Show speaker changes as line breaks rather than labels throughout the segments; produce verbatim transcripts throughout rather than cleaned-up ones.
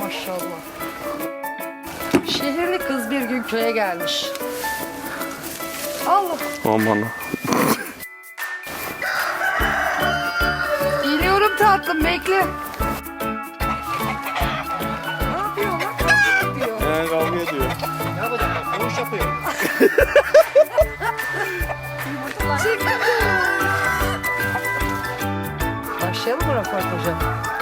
Maşallah. Şehirli kız bir gün köye gelmiş. Allah.
Aman.
Geliyorum tatlım, bekle. Ne yapıyor lan? Ne yapıyor?
He, kavga ediyor.
Ne yapacak? Koğuş yapıyor.
Çıktı. Başlayalım mı röportaja?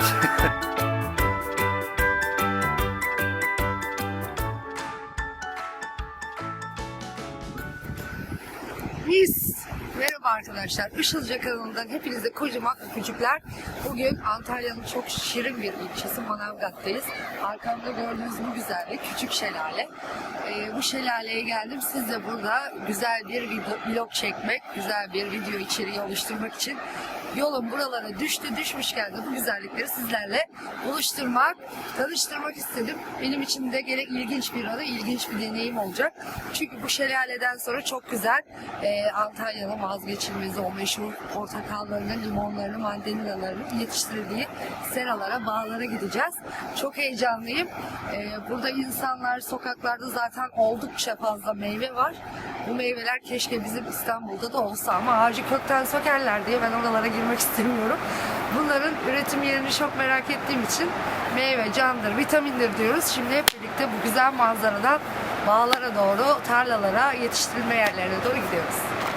Biz merhaba arkadaşlar. Işılca kanalından hepinize kocaman öpücükler. Bugün Antalya'nın çok şirin bir ilçesi Manavgat'tayız. Arkamda gördüğünüz bu güzellik küçük şelale. Ee, bu şelaleye geldim. Siz de burada güzel bir video, vlog çekmek, güzel bir video içeriği oluşturmak için yolum buralara düştü. Düşmüşken de bu güzellikleri sizlerle buluşturmak, tanıştırmak istedim. Benim için de gerek ilginç bir anı, ilginç bir deneyim olacak. Çünkü bu şelaleden sonra çok güzel e, Antalya'nın vazgeçilmezi o meşhur portakallarını, limonlarını, mandalinalarını yetiştirildiği seralara, bağlara gideceğiz. Çok heyecanlıyım. E, burada insanlar, sokaklarda zaten oldukça fazla meyve var. Bu meyveler keşke bizim İstanbul'da da olsa ama ağacı kökten sökerler diye ben oralara girmek istemiyorum. Bunların üretim yerini çok merak ettiğim için meyve candır, vitamindir diyoruz. Şimdi hep birlikte bu güzel manzaradan bağlara doğru, tarlalara, yetiştirilme yerlerine doğru gidiyoruz.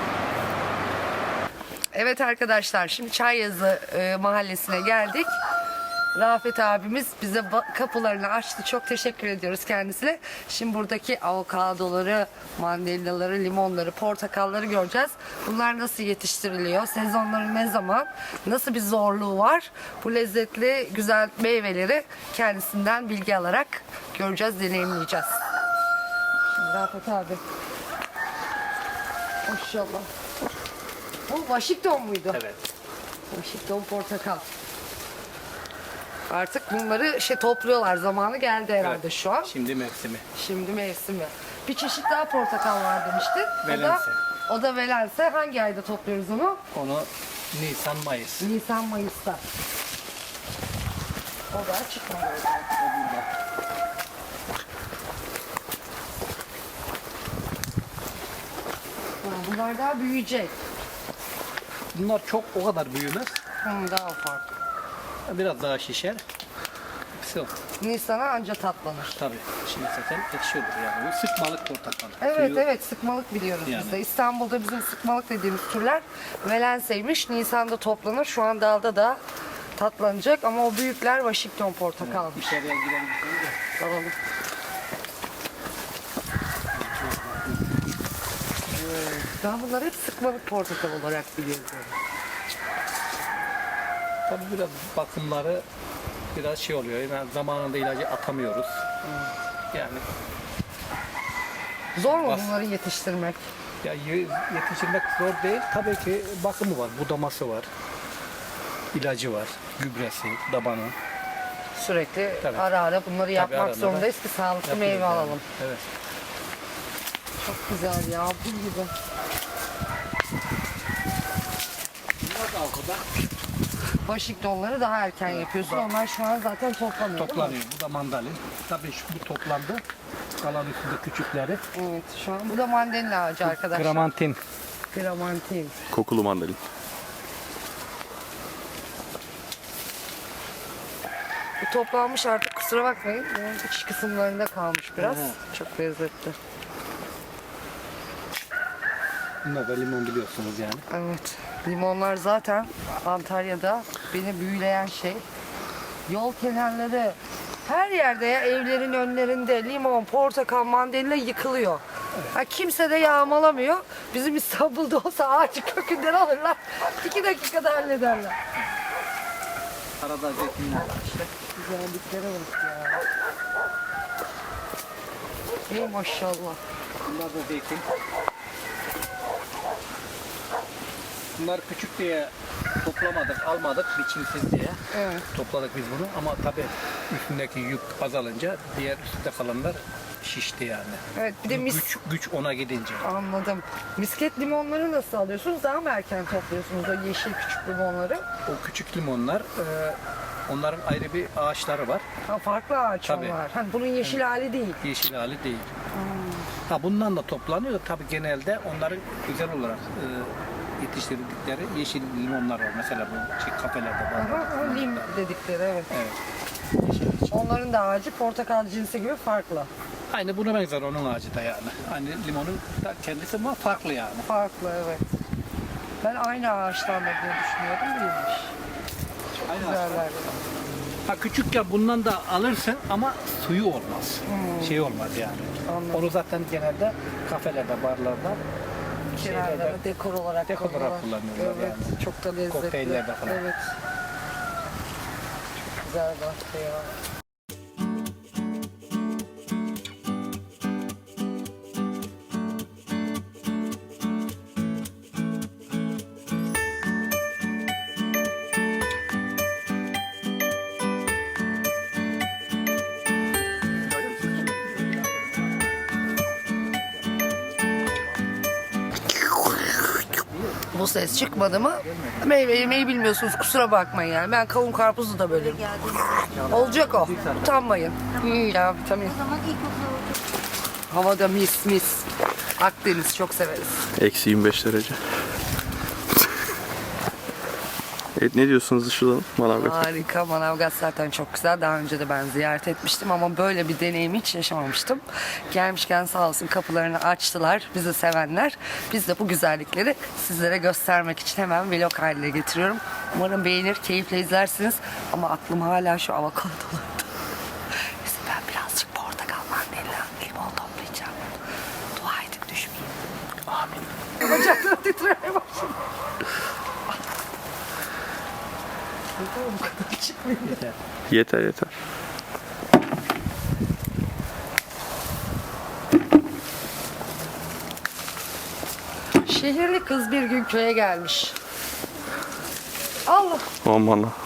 Evet arkadaşlar, şimdi Çayyazı e, mahallesine geldik. Rafet abimiz bize kapılarını açtı. Çok teşekkür ediyoruz kendisine. Şimdi buradaki avokadoları, mandalinaları, limonları, portakalları göreceğiz. Bunlar nasıl yetiştiriliyor? Sezonları ne zaman? Nasıl bir zorluğu var? Bu lezzetli, güzel meyveleri kendisinden bilgi alarak göreceğiz, deneyimleyeceğiz. Şimdi Rafet abi. Maşallah. Bu Washington muydu?
Evet.
Washington portakal. Artık bunları şey topluyorlar. Zamanı geldi herhalde
Evet.
şu an.
Şimdi mevsimi.
Şimdi mevsimi. Bir çeşit daha portakal var demiştin. O da,
Velense.
o da velense. Hangi ayda topluyoruz onu?
Onu Nisan, Mayıs.
Nisan, Mayıs'ta. O da çıkmadı. Ha, bunlar daha büyüyecek.
Bunlar çok o kadar büyümez.
Hı, daha ufak.
Biraz daha şişer. Hepsi o.
Nisan'a anca tatlanır.
Tabii. Şimdi zaten ekşi olur yani. Bu sıkmalık portakal.
Evet
Suyu-
evet sıkmalık biliyoruz
Yani.
biz de. İstanbul'da bizim sıkmalık dediğimiz türler velenseymiş. Nisan'da toplanır. Şu an dalda da tatlanacak ama o büyükler Washington portakalmış.
İçeriye girelim. şimdi de.
Alalım. Evet, ben bunları hep sıkmalık portakal olarak biliyorum.
Tabii biraz bakımları biraz şey oluyor. Yani zamanında ilacı atamıyoruz. Yani
Zor mu
Bas-
bunları yetiştirmek?
ya y- yetiştirmek zor değil. Tabii ki bakımı var. Budaması var. İlacı var. Gübresi, dabanı.
Sürekli
Tabii.
ara ara bunları yapmak
arada da
zorundayız ki sağlıklı
yapılır
meyve
yani.
alalım.
Evet.
Çok güzel ya, bu gibi.
Bunlar da alkoda
Washington'ları daha erken yapıyorsun. Onlar şu an zaten toplanıyor. değil mi?
toplanıyor. Bu da mandalin. Tabii şu bu toplandı. Kalan üstünde küçükleri.
Evet, şu an bu da mandalina ağacı arkadaşlar.
Gramantin.
Gramantin.
Kokulu mandalin.
Bu toplanmış artık, kusura bakmayın. Bunun iç kısımlarında kalmış biraz.
Evet.
Çok lezzetli.
Bunlar da limon biliyorsunuz yani.
Evet. Limonlar zaten Antalya'da beni büyüleyen şey. Yol kenarları, her yerde ya, evlerin önlerinde limon, portakal, mandalina yıkılıyor. Ha, kimse de yağmalamıyor. Bizim İstanbul'da olsa ağacı kökünden alırlar. İki dakikada hallederler.
Arada zeytinler var işte.
Güzelliklere bak ya. Ey maşallah.
Bunlar da zeytin. Bunlar küçük diye toplamadık, almadık biçimsiz diye.
Evet.
Topladık biz bunu ama tabii üstündeki yük azalınca diğer üstte kalanlar şişti yani.
Evet, bir de mis...
Güç, güç ona gidince.
Anladım. Misket limonları nasıl alıyorsunuz? Daha mı erken topluyorsunuz o yeşil küçük limonları?
O küçük limonlar e, Onların ayrı bir ağaçları var.
Ha, farklı ağaç
Tabii.
onlar. Hani bunun yeşil hali değil.
Yeşil hali değil. Ha, bundan da toplanıyor da tabii genelde onların güzel olarak e, yetiştirdikleri yeşil limonlar var. Mesela bu şey kafelerde var.
Aha, o lim dedikleri evet.
Evet.
Onların da ağacı portakal cinsi gibi farklı.
Aynı buna benzer onun ağacı da yani. Hani limonun da kendisi ama farklı yani.
Farklı evet. Ben aynı ağaçtan da diye düşünüyordum, değilmiş.
Aynı
Güzeller.
Ha, küçükken bundan da alırsın ama suyu olmaz. Şey olmaz yani.
Anladım.
Onu zaten genelde kafelerde, barlarda
Kenarlara
şeylerde,
dekor olarak
dekor olarak kullanıyorlar
Evet,
yani.
çok da lezzetli.
Kokteyllerde falan.
Evet. Çok güzel bahçe ya. Bu ses çıkmadı mı meyve yemeyi bilmiyorsunuz, kusura bakmayın yani. Ben kavun karpuzu da bölerim. Olacak o. Utanmayın. İyi ya, vitamin. Havada mis mis. Akdeniz çok severiz.
Eksi yirmi beş derece. Evet, ne diyorsunuz Işıl Manavgat?
Harika. Manavgat zaten çok güzel. Daha önce de ben ziyaret etmiştim ama böyle bir deneyimi hiç yaşamamıştım. Gelmişken sağ olsun kapılarını açtılar. Bizi sevenler. Biz de bu güzellikleri sizlere göstermek için hemen vlog haline getiriyorum. Umarım beğenir, keyifle izlersiniz. Ama aklım hala şu avokadolarda. Neyse, ben birazcık portakal, mandalina, limon toplayacağım. Dua edin düşmeyeyim. Amin. Bacaklarım titremeye başladı. Bu kadar çıkmıyor.
Yeter yeter.
Şehirli kız bir gün köye gelmiş. Allah.
Aman ha.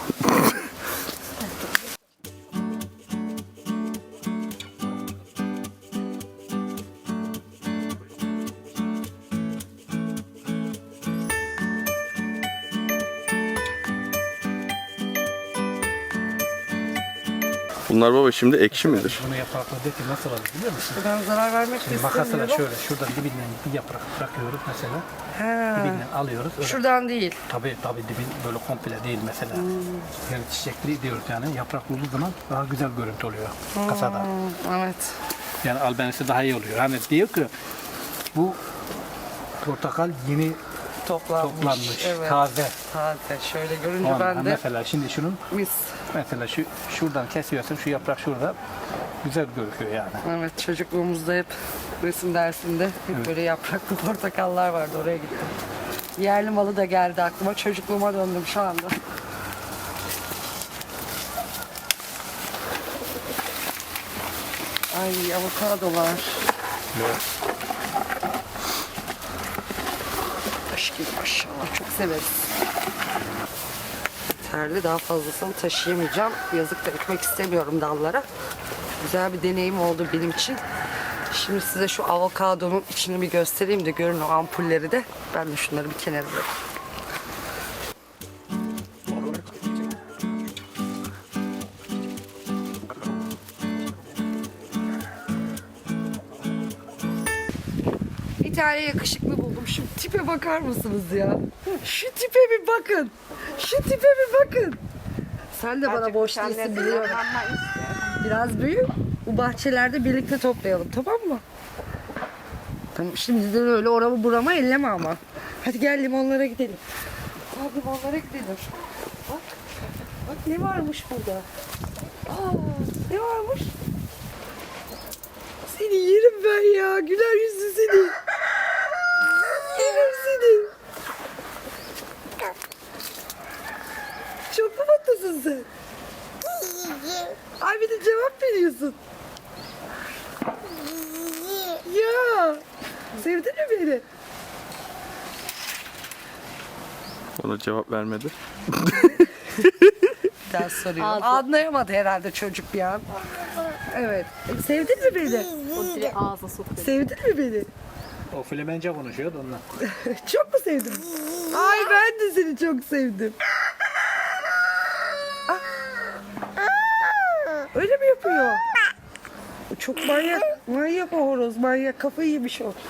Bunlar baba şimdi ekşi midir?
Bunu yapraklardaki nasıl alır biliyor musun?
Ben zarar vermek
Şimdi makasla
istemiyorum.
şöyle şuradan dibinden bir yaprak bırakıyoruz mesela.
Ha,
Dibinden alıyoruz. Öyle.
şuradan değil.
Tabii tabii dibin böyle komple değil mesela. Yani çiçekli diyoruz yani. Yapraklı olduğu zaman daha güzel görüntü oluyor kasada.
Hmm, evet.
Yani albenisi daha iyi oluyor. Hani diyor ki bu portakal yeni
Toplanmış.
toplanmış,
Evet.
taze.
Taze. Şöyle görünce
Ondan
ben de
mesela şimdi şunun
mis.
mesela şu şuradan kesiyorsun, şu yaprak şurada güzel gözüküyor yani.
Evet, çocukluğumuzda hep resim dersinde hep
Evet.
böyle yapraklı portakallar vardı, oraya gittim. Yerli malı da geldi aklıma. Çocukluğuma döndüm şu anda. Ay, avokadolar.
Evet.
Taş gibi maşallah, çok severiz. Yeterli, daha fazlasını taşıyamayacağım. Yazık da ekmek istemiyorum dallara. Güzel bir deneyim oldu benim için. Şimdi size şu avokadonun içini bir göstereyim de görün o ampulleri de. Ben de şunları bir kenara bırakayım. Bir tane yakışıklı buldum. Şu tipe bakar mısınız ya? Şu tipe bir bakın. Şu tipe bir bakın. Sen de bana boş değilsin biliyorum. Biraz büyü. Bu bahçelerde birlikte toplayalım, tamam mı? Tamam, şimdi de öyle oramı burama elleme ama. Hadi gel limonlara gidelim. Hadi limonlara gidelim. Bak. Bak ne varmış burada. Aa, ne varmış? Seni yerim ben ya. Güler yüzlü seni. Yerim seni. Çok mu mutlusun sen? Ay, bir de cevap veriyorsun. Ya. Sevdin mi beni?
Ona cevap vermedi.
Bir daha soruyorum. Anlayamadı herhalde çocuk bir an. Evet. Sevdin mi beni?
O direkt ağzına sokuyor.
Sevdin mi beni?
O Flemençe konuşuyordu ondan.
Çok mu sevdin? Ay, ben de seni çok sevdim. Ah, Öyle mi yapıyor? Çok manyak. Manyak o horoz. Manyak. Kafayı yemiş o.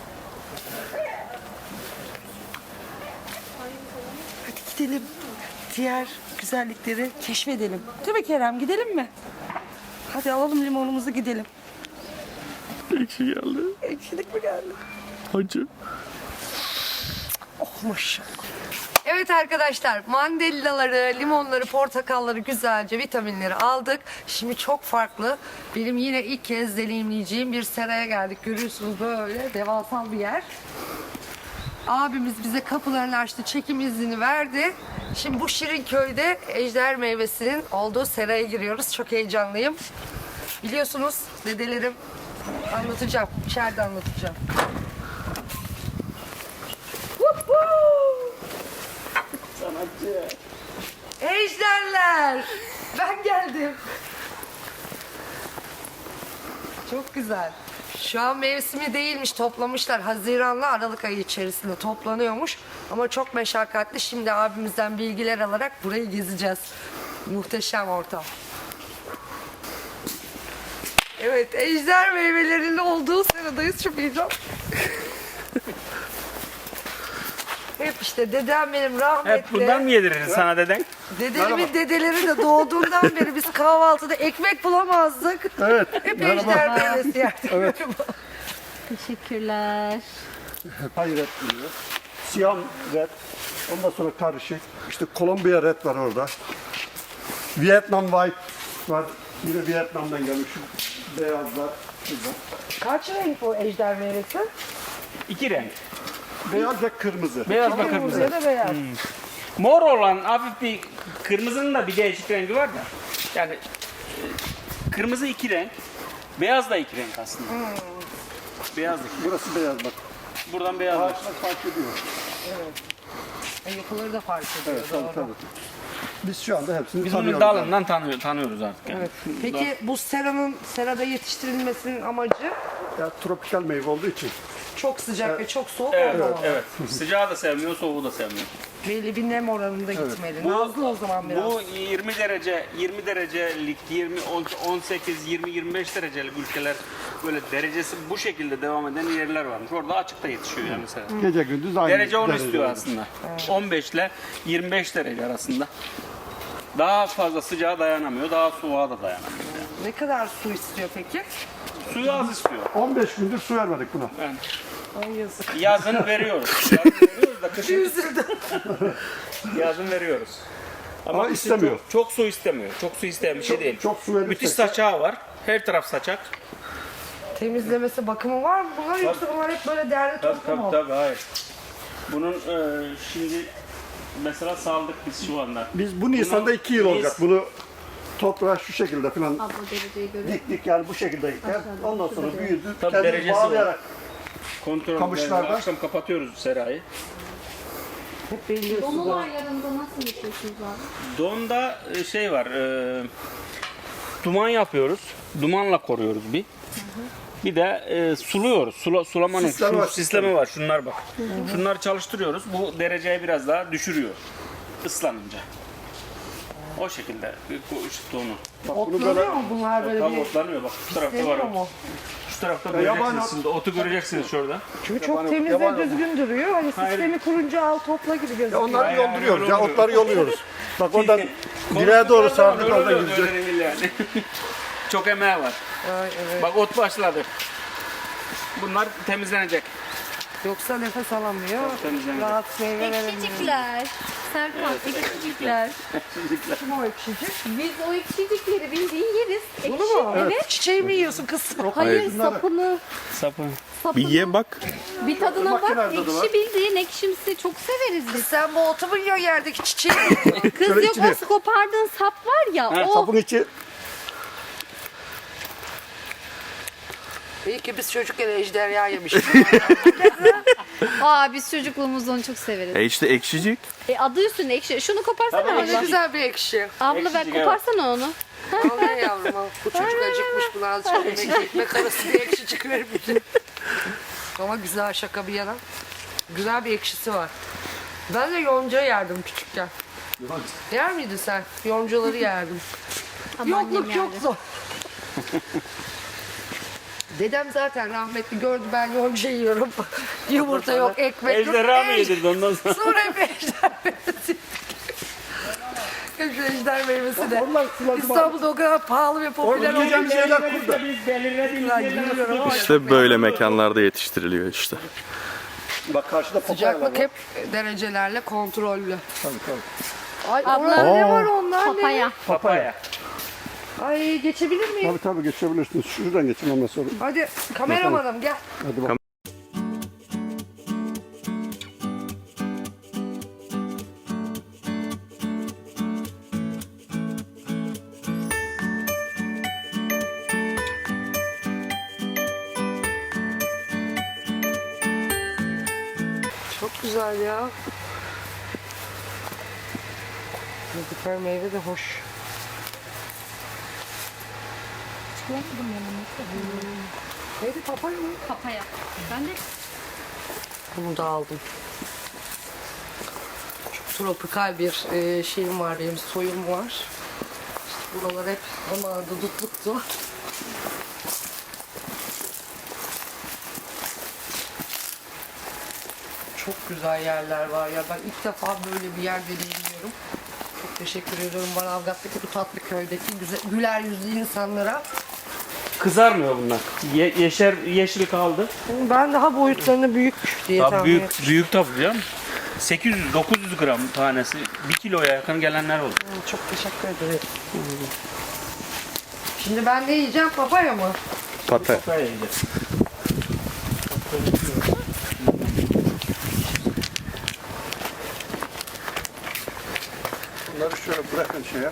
Hadi gidelim. Diğer güzellikleri keşfedelim. Değil mi Kerem? Gidelim mi? Hadi alalım limonumuzu gidelim.
Ekşi geldi.
Ekşilik mi geldi?
Acı.
Oh maşallah. Evet arkadaşlar, mandalinaları, limonları, portakalları, güzelce vitaminleri aldık. Şimdi çok farklı, benim yine ilk kez deneyimleyeceğim bir seraya geldik. Görüyorsunuz böyle devasal bir yer. Abimiz bize kapılarını açtı, çekim izni verdi. Şimdi bu şirin köyde ejder meyvesinin olduğu seraya giriyoruz. Çok heyecanlıyım. Biliyorsunuz dedelerim, anlatacağım, içeride anlatacağım.
Sanatçı.
Ejderler! Ben geldim. Çok güzel. Şu an mevsimi değilmiş, toplamışlar. Haziranla Aralık ayı içerisinde toplanıyormuş. Ama çok meşakkatli. Şimdi abimizden bilgiler alarak burayı gezeceğiz. Muhteşem ortam. Evet, ejder meyvelerinin olduğu seradayız. Çok heyecan. Hep işte dedem benim rahmetli.
Hep bundan mı yedirir sana deden?
Dedelimin dedeleri de doğduğundan beri biz kahvaltıda ekmek bulamazdık.
Evet.
Hep ejder meyvesi yerdik. Evet.
Teşekkürler.
Hayret diyor. Siyam red. Ondan sonra karışık. İşte Kolombiya red var orada. Vietnam white var. Yine Vietnam'dan gelmiş. Şu beyazlar. Güzel.
Kaç renk bu ejder meyvesi?
İki renk.
Beyaz ve kırmızı.
Beyaz ve
Kırmızı
kırmızı.
ya da beyaz.
Mor olan hafif bir kırmızının da bir değişik rengi var da. Yani e, kırmızı iki renk. Beyaz da iki renk aslında. Beyaz da iki.
Burası beyaz bak.
Buradan beyaz var.
Ağaçlar fark ediyor.
E, yapıları da fark ediyor.
Evet tabii
doğru.
tabii. Biz şu anda hepsini
Biz bunun
tanıyoruz.
dalından tanıyor, tanıyoruz artık. Yani.
Evet. Peki bu seranın serada yetiştirilmesinin amacı
Ya, tropikal meyve olduğu için.
çok sıcak ve çok soğuk
Evet,
olmamalı.
evet. Sıcağı da sevmiyor, soğuğu da sevmiyor.
Belli bir nem oranında gitmeli. Nazlı o zaman biraz.
Bu yirmi derece, yirmi derecelik, yirmi, on sekiz, yirmi, yirmi beş derecelik ülkeler böyle derecesi bu şekilde devam eden yerler varmış. Orada açıkta yetişiyor yani mesela.
Gece gündüz aynı.
Derece onu
derece
istiyor
olur.
aslında. on beş ile yirmi beş derece arasında. Daha fazla sıcağa dayanamıyor, daha soğuğa da dayanamıyor. Yani.
Ne kadar su istiyor peki?
Suyu az istiyor.
on beş gündür su vermedik buna.
Yani
Ay yazık.
yazın veriyoruz. Yazın veriyoruz da kışın
Üzüldüm.
yazın veriyoruz.
Ama
kışın
istemiyor.
Çok, çok su istemiyor. Çok su isteyen bir şey değil.
çok su verirsek
Müthiş
de-
saçağı var. Her taraf saçak.
Temizlemesi, bakımı var mı bunlar yoksa bunlar hep böyle değerli
Tabii
toplu
tabii
mu?
tabii hayır. Bunun e, şimdi mesela saldık biz şu anda.
Biz bu Nisan'da
Bunu
iki yıl
biz-
olacak. Bunu toprağa şu şekilde falan
Abla dereceyi görüyor.
diktik yani bu şekilde diktik. Ondan sonra büyüdü.
Tabii
Kendini
derecesi
bağlayarak.
Kontrol
Kamışlarda-
akşam kapatıyoruz serayı.
Hep belli
Dolu
suda.
aylarında nasıl yaşıyorsunuz abi?
Donda e, şey var. E, duman yapıyoruz. Dumanla koruyoruz bir. Bir de e, suluyoruz. Sula, sulamanın
Sistemi
şu
var,
sistemi var. Şunlar bak. Şunları çalıştırıyoruz. Bu dereceyi biraz daha düşürüyor. Islanınca. O şekilde bu işte onu.
Otlanıyor mu bunlar böyle
Tam
bir?
otlanıyor bak. Şu tarafta var.
Deniyor
o.
mu?
Şu tarafta
yabani
göreceksiniz
ot-
şimdi. Otu göreceksiniz şurada.
Çünkü çok
Yabani-
temiz
yabani-
ve düzgün duruyor. Hani
Hayır.
sistemi kurunca al topla gibi
Ya
gözüküyor.
onları
Aynen,
yolduruyoruz.
öyle
Ya
oluyor.
otları yolluyoruz. Bak oradan direğe doğru sardık
Öyle
oradan
oluyor,
gidecek.
öyle değil yani. Çok emeği var.
Ay, evet.
Bak ot başladı. Bunlar temizlenecek.
Yoksa nefes alamıyor.
temizlenecek.
Rahat meyve veremiyor.
Ekşicikler. Serkan, ekşicikler.
Kim o ekşicik?
Biz o ekşicikleri bildiğin yeriz. Ekşi.
Bunu mu?
Evet.
Çiçeği mi yiyorsun kız?
Hayır, sapını.
Sapı.
sapını.
Bir ye bak.
Bir tadına bak.
Makinelerde de var.
Ekşi bildiğin ekşimsi. Çok severiz biz.
Sen bu otu mu yiyorsun yerdeki çiçeği mi yiyorsun?
Kız
Şöyle
yok
içine.
o kopardığın sap var ya. o.
Sapın içi
İyi ki biz çocukken ejderha yemişiz.
Aa biz çocukluğumuzda onu çok severiz.
E işte ekşicik.
E, adı üstünde ekşi. Şunu koparsana
Ama ne
abla.
güzel bir ekşi.
Abla ver
Ekşicik, evet.
koparsana onu.
Al ya yavrum al. Bu çocuk acıkmış, buna azıcık yemek, ekmek arası bir ekşicik ver bir de. Ama güzel, şaka bir yana. Güzel bir ekşisi var. Ben de yonca yerdim küçükken. Yer miydin sen? Yoncaları yerdim.
Ama annem
Yokluk çok
yerdi.
zor. Dedem zaten rahmetli gördü ben yonca yiyorum. Yumurta yok, ekmek yok.
Ejderha mı
Ej-
yedirdi ondan sonra?
Sonra hep ejder meyvesi. Hep şu ejder meyvesi de.
Onlar sulandı bak.
İstanbul'da o kadar pahalı ve popüler
Orada yiyeceğim
oldu.
şeyler kurdu.
Biz belirlediğimiz
Ben
yerlere
biliyorum ama
İşte böyle mekanlarda yetiştiriliyor işte.
Bak karşıda papaya var.
sıcaklık hep derecelerle kontrollü.
Tabii tabii.
Ay
Abla.
onlar ne
Aa.
var onlar ne?
Papaya.
Papaya.
Ay geçebilir miyim?
Tabii tabii geçebilirsiniz. Şuradan geçin ondan sonra.
Hadi kameramanım gel.
Hadi bak.
Çok güzel ya. Müzikal meyve de hoş. Neydi papaya mı?
Papaya. Ben de
Bunu da aldım. Çok tropikal bir e, şeyim var benim, soyum var. İşte buralar hep zamanında dutluktu. Çok güzel yerler var ya. Ben ilk defa böyle bir yer deneyimliyorum. Çok teşekkür ediyorum Manavgat'taki bu tatlı köydeki güzel, güler yüzlü insanlara.
Kızarmıyor bunlar. Ye- yeşer, yeşil kaldı.
Ben daha boyutlarını büyük diye
Tabii
tahmin
büyük,
etmiştim.
büyük tabii biliyor musun? sekiz yüz dokuz yüz gram tanesi. bir kiloya yakın gelenler oldu.
Çok teşekkür ederim. Şimdi ben ne yiyeceğim? Papaya mı?
Pata.
Papaya yiyeceğiz.
Bunları şöyle bırakın şeye.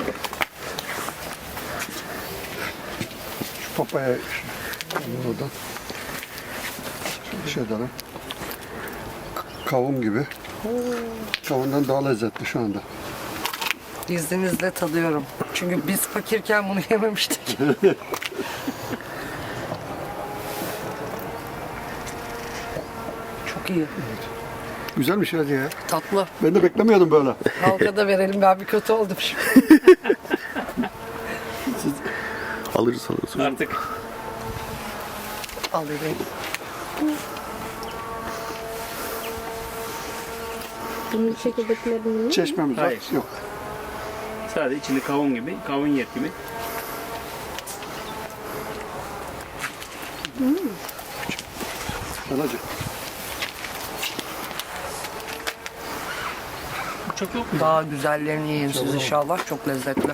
Şu papaya oradan. Bir şey edelim. Kavun gibi. Kavundan daha lezzetli şu anda.
İzninizle tadıyorum. Çünkü biz fakirken bunu yememiştik. Çok iyi.
Güzelmiş hadi ya.
Tatlı.
Ben de beklemiyordum böyle.
Halka da verelim. Ben bir kötü oldum şimdi.
Alırız alırız.
Artık
Alayım.
bunun çekirdeklerini
Çeşmemiz var.
Hayır.
Yok.
sadece içinde kavun gibi, kavun yet gibi.
Anacığım.
Çok yok mu?
Daha güzellerini yiyin siz inşallah. Çok lezzetli.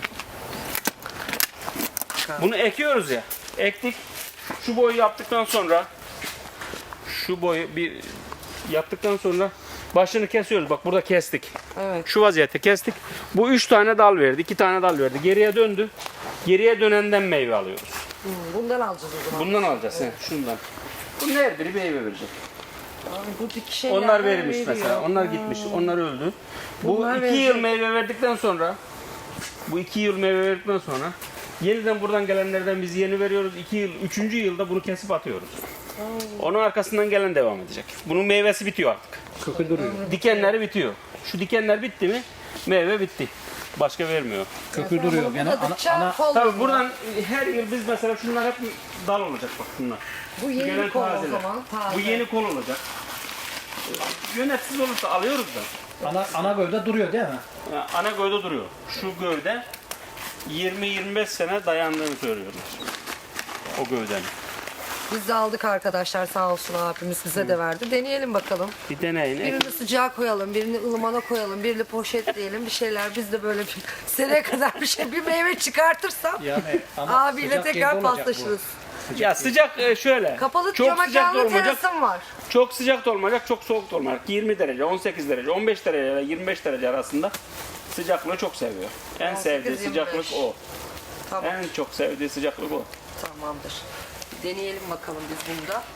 Bunu ekiyoruz ya. Ektik. Şu boyu yaptıktan sonra şu boyu bir yaptıktan sonra başını kesiyoruz. Bak burada kestik.
Evet.
Şu vaziyette kestik. Bu üç tane dal verdi. iki tane dal verdi. Geriye döndü. Geriye dönenden meyve alıyoruz.
Hmm, bundan alacağız o zaman.
Bundan alacağız. He, şundan. Bunun her biri meyve verecek.
Abi bu diki şeyler
Onlar verilmiş
veriyor.
mesela. Onlar gitmiş. Onlar öldü. Bu
Bunlar
iki
verecek.
yıl meyve verdikten sonra bu iki yıl meyve verdikten sonra yeniden buradan gelenlerden biz yeni veriyoruz. iki yıl, üçüncü yılda bunu kesip atıyoruz. Onun arkasından gelen devam edecek. Bunun meyvesi bitiyor artık.
Kökü duruyor.
Dikenleri bitiyor. Şu dikenler bitti mi meyve bitti. Başka vermiyor.
Kökü duruyor. Yani ana,
Budadıkça
ana
kol
Tabii
oluyor.
buradan her yıl biz mesela şunlar hep dal olacak bak bunlar.
Bu yeni
Gelen
kol o
tazeler.
zaman. Taze.
Bu yeni kol olacak. Yönetsiz olursa alıyoruz da.
ana ana gövde duruyor değil mi?
Yani ana gövde duruyor. Şu gövde yirmi yirmi beş sene dayandığını söylüyorlar. O gövdenin.
Biz de aldık arkadaşlar sağ olsun abimiz bize de verdi. Deneyelim bakalım.
Bir deneyin.
Birini sıcağa koyalım, birini ılımana koyalım, birini poşetleyelim bir şeyler. Biz de böyle bir seneye kadar bir şey, bir meyve çıkartırsam
Yani ama
abiyle
sıcak
tekrar
yerde olacak bu.
paslaşırız.
Ya sıcak e, şöyle.
Kapalı
çok
cama
sıcak da
canlı
olmayacak.
terasım var.
Çok sıcak da olmayacak, çok soğuk da olmayacak. yirmi derece, on sekiz derece, on beş derece ile yirmi beş derece arasında sıcaklığı çok seviyor. En
on sekiz,
sevdiği
yirmi
sıcaklık
beş.
o.
Tamam,
En çok sevdiği sıcaklık o.
tamamdır. Deneyelim bakalım biz bunu da.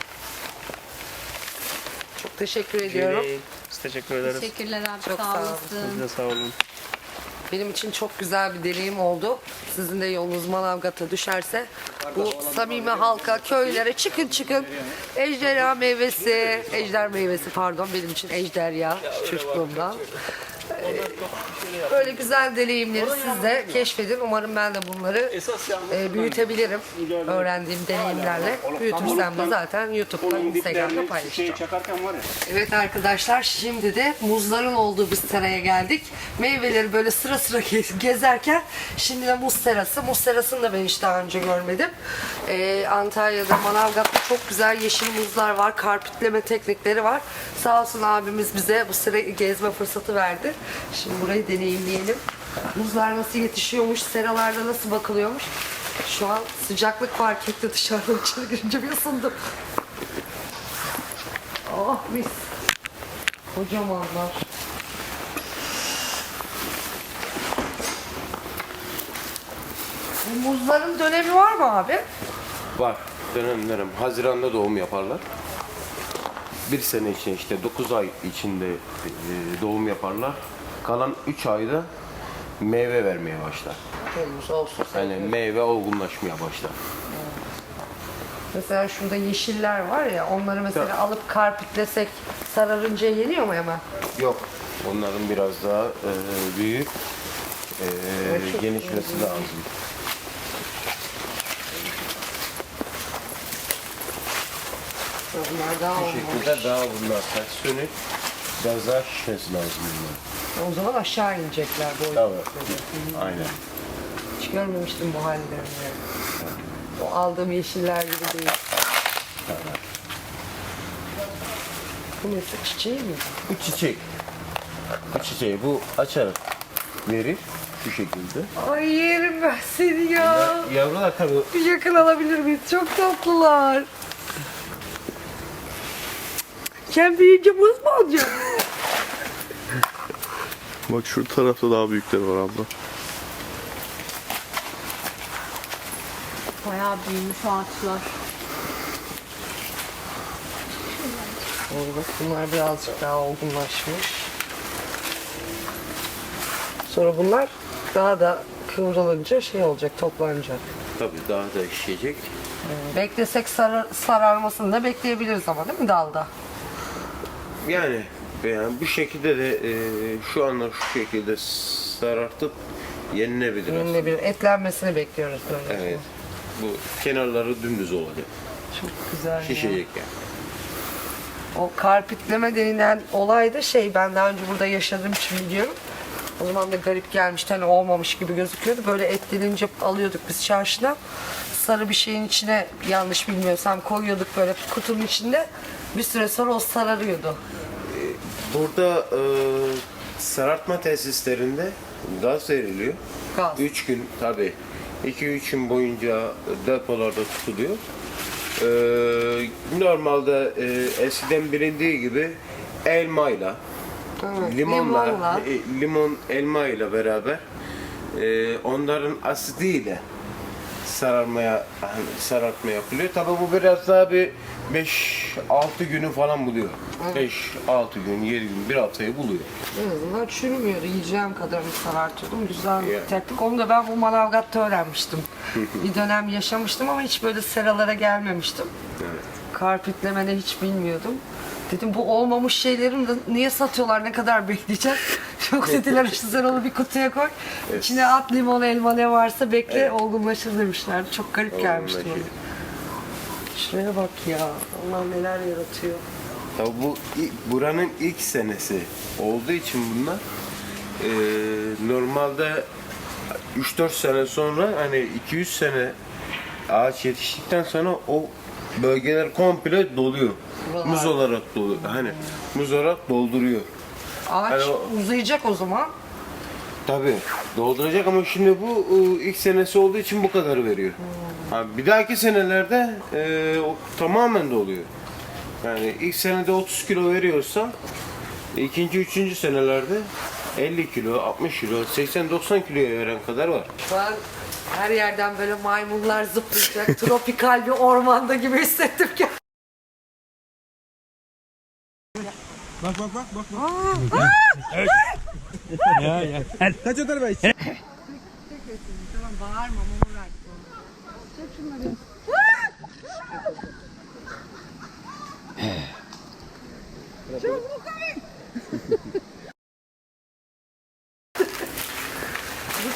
Çok teşekkür ediyorum.
Değil. Biz teşekkür ederiz.
teşekkürler abi
Çok
sağ
sağ olun.
olasın.
Siz de sağ olun.
Benim için çok güzel bir deneyim oldu. Sizin de yolunuz Manavgat'a düşerse bu samimi halka, köylere çıkın çıkın. Ejderha meyvesi, ejder meyvesi pardon benim için ejderha çocukluğumdan. Ee, Böyle güzel deneyimleri siz de keşfedin. Umarım ben de bunları e, büyütebilirim. Öğrendiğim deneyimlerle. Büyütürsem de zaten YouTube'da, Instagram'da paylaşacağım.
Çakarken var ya.
Evet arkadaşlar, şimdi de muzların olduğu bir seraya geldik. Meyveleri böyle sıra sıra ge- gezerken şimdi de muz serası. Muz serasını da ben hiç daha önce görmedim. Ee, Antalya'da, Manavgat'ta çok güzel yeşil muzlar var. Karpitleme teknikleri var. Sağ olsun abimiz bize bu serayı gezme fırsatı verdi. Şimdi burayı deneyimleyelim. Muzlar nasıl yetişiyormuş, seralarda nasıl bakılıyormuş. Şu an sıcaklık fark etti, dışarıdan içeri girince bir ısındım. Oh mis. Kocamanlar. Bu muzların dönemi var mı abi?
Var. Dönem dönem. Haziran'da doğum yaparlar. Bir sene için işte dokuz ay içinde e, doğum yaparlar. Kalan üç ayda meyve vermeye başlar.
Temmuz, Ağustos.
Yani
Eylül.
meyve olgunlaşmaya başlar.
Mesela şurada yeşiller var ya, onları mesela alıp karpitlesek sararınca yeniyor mu hemen?
Yok. Onların biraz daha e, büyük e, genişmesi lazım.
Bunlar daha
Bu
olmamış.
şekilde daha bunlar ters sönük. Biraz daha şişmesi lazım bunlar.
O zaman aşağı inecekler boyutları.
Tabii. Aynen.
Hiç görmemiştim bu hallerini. O aldığım yeşiller gibi değil. Bu mesela çiçeği mi?
Bu çiçek. Bu çiçeği bu açarak verir şu şekilde.
Ay yerim ben seni ya.
Yavrular tabii
Bir yakın alabilir miyiz? Çok tatlılar. Sen büyüyünce muz mu alacaksın?
Bak şu tarafta daha büyükleri var abla.
Bayağı büyümüş ağaçlar.
Bak bunlar birazcık daha olgunlaşmış. Sonra bunlar daha da kıvrılınca şey olacak, toplanacak.
tabii daha da işleyecek.
Beklesek sarar, sararmasını da bekleyebiliriz ama değil mi dalda?
Yani, yani bu şekilde de e, şu anda şu şekilde sarartıp yenilebilir aslında.
Yine bir etlenmesini bekliyoruz böyle.
Evet. Bu kenarları dümdüz olacak.
Çok güzel ya.
Şişecek yani.
O karpitleme denilen olay da şey, ben daha önce burada yaşadığım için biliyorum. O zaman da garip gelmişti, hani olmamış gibi gözüküyordu. Böyle etlenince alıyorduk biz çarşıdan. Sarı bir şeyin içine, yanlış bilmiyorsam, koyuyorduk böyle kutunun içinde. Bir süre sonra o sararıyordu.
Burada e, sarartma tesislerinde gaz veriliyor.
Gaz.
üç gün tabii. iki üç gün boyunca depolarda tutuluyor. E, normalde e, eskiden bilindiği gibi elmayla,
Evet,
limonla,
limonla.
e, limon elma ile beraber e, onların asidiyle sararmaya hani sarartma yapılıyor. Tabii bu biraz daha bir beş altı günü falan buluyor. beş altı gün, yedi gün, bir haftayı buluyor.
En azından çürümüyordu. Yiyeceğim kadarını sarartıyordum. Güzel bir
Yani.
teknik. Onu da ben bu Manavgat'ta öğrenmiştim. Bir dönem yaşamıştım ama hiç böyle seralara gelmemiştim. Karpitlemeni hiç bilmiyordum. Dedim bu olmamış şeylerin de niye satıyorlar, ne kadar bekleyeceğiz? Çok dediler işte sen onu bir kutuya koy. İçine at, limon, elma ne varsa bekle, olgunlaşır demişlerdi. Çok garip gelmişti bana.
Olgunlaşıyor.
Şuraya bak ya. Allah neler yaratıyor.
Tabii bu ilk- buranın ilk senesi olduğu için bunlar e, normalde üç dört sene sonra hani iki yüz sene ağaç yetiştikten sonra o bölgeler komple doluyor.
Buralar.
Muz olarak doluyor. Hani muz olarak dolduruyor.
Ağaç
Hani o-
uzayacak o zaman.
Tabii dolduracak ama şimdi bu e, ilk senesi olduğu için bu kadar veriyor. Ha, bir dahaki senelerde e, o tamamen doluyor. Yani ilk senede otuz kilo veriyorsa ikinci, üçüncü senelerde elli kilo, altmış kilo, seksen doksan kiloya veren kadar var.
Şu an her yerden böyle maymunlar zıplayacak. Tropikal bir ormanda gibi hissettim ki. Bağırma, mama verdik ona. Çek şunları. Çabuk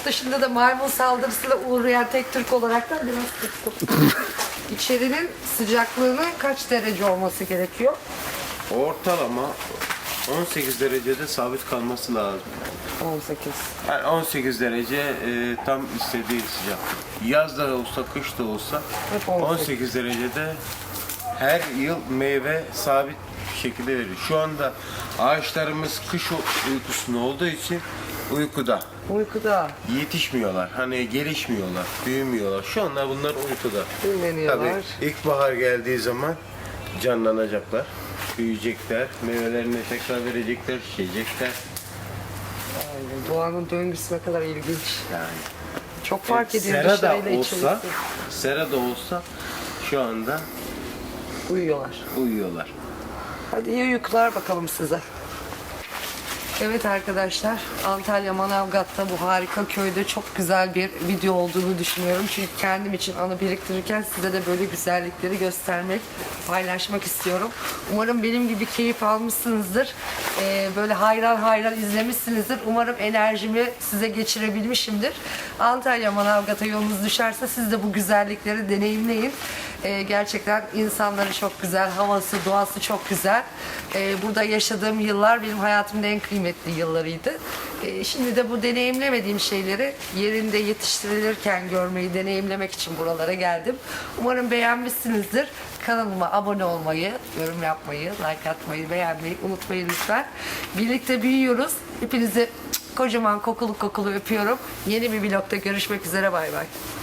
dışında da maymun saldırısına uğrayan tek Türk olarak da biraz sıktım. İçerinin sıcaklığının kaç derece olması gerekiyor?
Ortalama on sekiz derecede sabit kalması lazım.
on sekiz.
Yani on sekiz derece e, tam istediği sıcaklık. Yaz da olsa, kış da olsa
Hep on sekiz.
on sekiz derecede her yıl meyve sabit bir şekilde veriyor. Şu anda ağaçlarımız kış uykusunda olduğu için uykuda.
Uykuda
Yetişmiyorlar. Hani gelişmiyorlar, büyümüyorlar. Şu anda bunlar uykuda.
dinleniyorlar.
Tabii ilkbahar geldiği zaman canlanacaklar, büyüyecekler, meyvelerini tekrar verecekler, şişecekler.
Aynen. Doğanın döngüsü ne kadar ilginç.
Yani
Çok fark ediyor
sera da
dışarıyla
olsa,
içerisi.
sera da olsa şu anda
Uyuyorlar.
uyuyorlar.
Hadi iyi uykular bakalım size. Evet arkadaşlar, Antalya Manavgat'ta bu harika köyde çok güzel bir video olduğunu düşünüyorum. Çünkü kendim için anı biriktirirken size de böyle güzellikleri göstermek, paylaşmak istiyorum. Umarım benim gibi keyif almışsınızdır. Ee, böyle hayran hayran izlemişsinizdir. Umarım enerjimi size geçirebilmişimdir. Antalya Manavgat'a yolunuz düşerse siz de bu güzellikleri deneyimleyin. Ee, gerçekten insanları çok güzel, havası, doğası çok güzel. Ee, burada yaşadığım yıllar benim hayatımın en kıymetli yıllarıydı. Ee, şimdi de bu deneyimlemediğim şeyleri yerinde yetiştirilirken görmeyi, deneyimlemek için buralara geldim. Umarım beğenmişsinizdir. Kanalıma abone olmayı, yorum yapmayı, like atmayı, beğenmeyi unutmayın lütfen. Birlikte büyüyoruz. Hepinizi kocaman kokulu kokulu öpüyorum. Yeni bir vlogda görüşmek üzere. Bay bay.